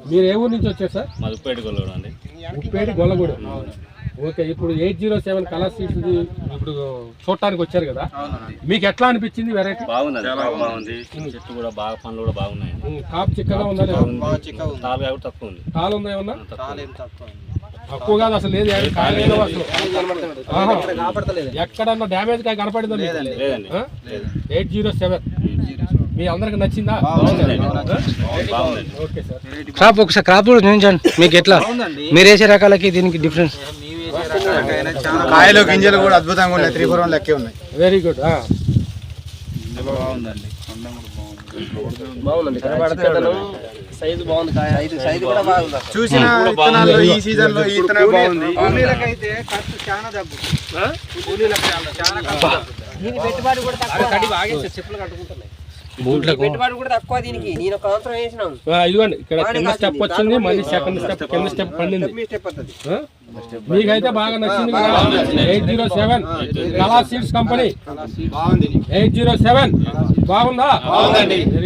మీరు ఏ ఊరు నుంచి వచ్చారు సార్? మాది ఉప్పేటి గొల్లగూడెం అండి. ఉప్పేటి గొల్లగూడెం. ఓకే, ఇప్పుడు 807 కలర్ సీడ్స్ ఇప్పుడు చూడటానికి వచ్చారు కదా, మీకు ఎట్లా అనిపించింది వెరైటీ? బాగుంది, బాగుంది. చెట్టు కూడా బాగా, పండ్లు కూడా బాగున్నాయి. కాపు చిక్కగా ఉందా? తాలుగా కూడా తక్కువ ఉంది. తాలు ఉందా? ఏమన్నా తక్కువ కాదు అసలు, లేదు కాయలేదు అసలు. ఎక్కడన్నా డ్యామేజ్ కాయ కనపడిందా? లేదండి. 807 మీ అందరికి నచ్చిందా? Okay sir. క్రాప్ ఒకసారి క్రాప్ కూడా చూపించండి, మీకు ఎట్లా మీరు వేసే రకాలకి దీనికి డిఫరెన్స్? కాయలు గింజలు కూడా అద్భుతంగా ఉన్నాయి. 3-4 లెక్కే ఉన్నాయి. Very good. బాగుందండి, సైజు బాగుంది, సైజు కూడా బాగుంది. చూసిన విత్తనాల్లో ఈ సీజన్ లో ఈ విత్తనం బాగుంది. పెట్టుబడి కూడా తక్కువ, చెప్పులు కట్టుకుంటున్నాయి. పెట్టుబడి కూడా తక్కువ దీనికి. నేను ఒక సంవత్సరం వేసినాను. ఇదిగోండి, ఇక్కడ కింద స్టెప్ వచ్చింది, మళ్ళీ సెకండ్ స్టెప్ కింద స్టెప్ పండింది. మీకైతే బాగా నచ్చింది కదా? 807 కలర్ సీడ్స్ కంపెనీ 807 బాగుందా?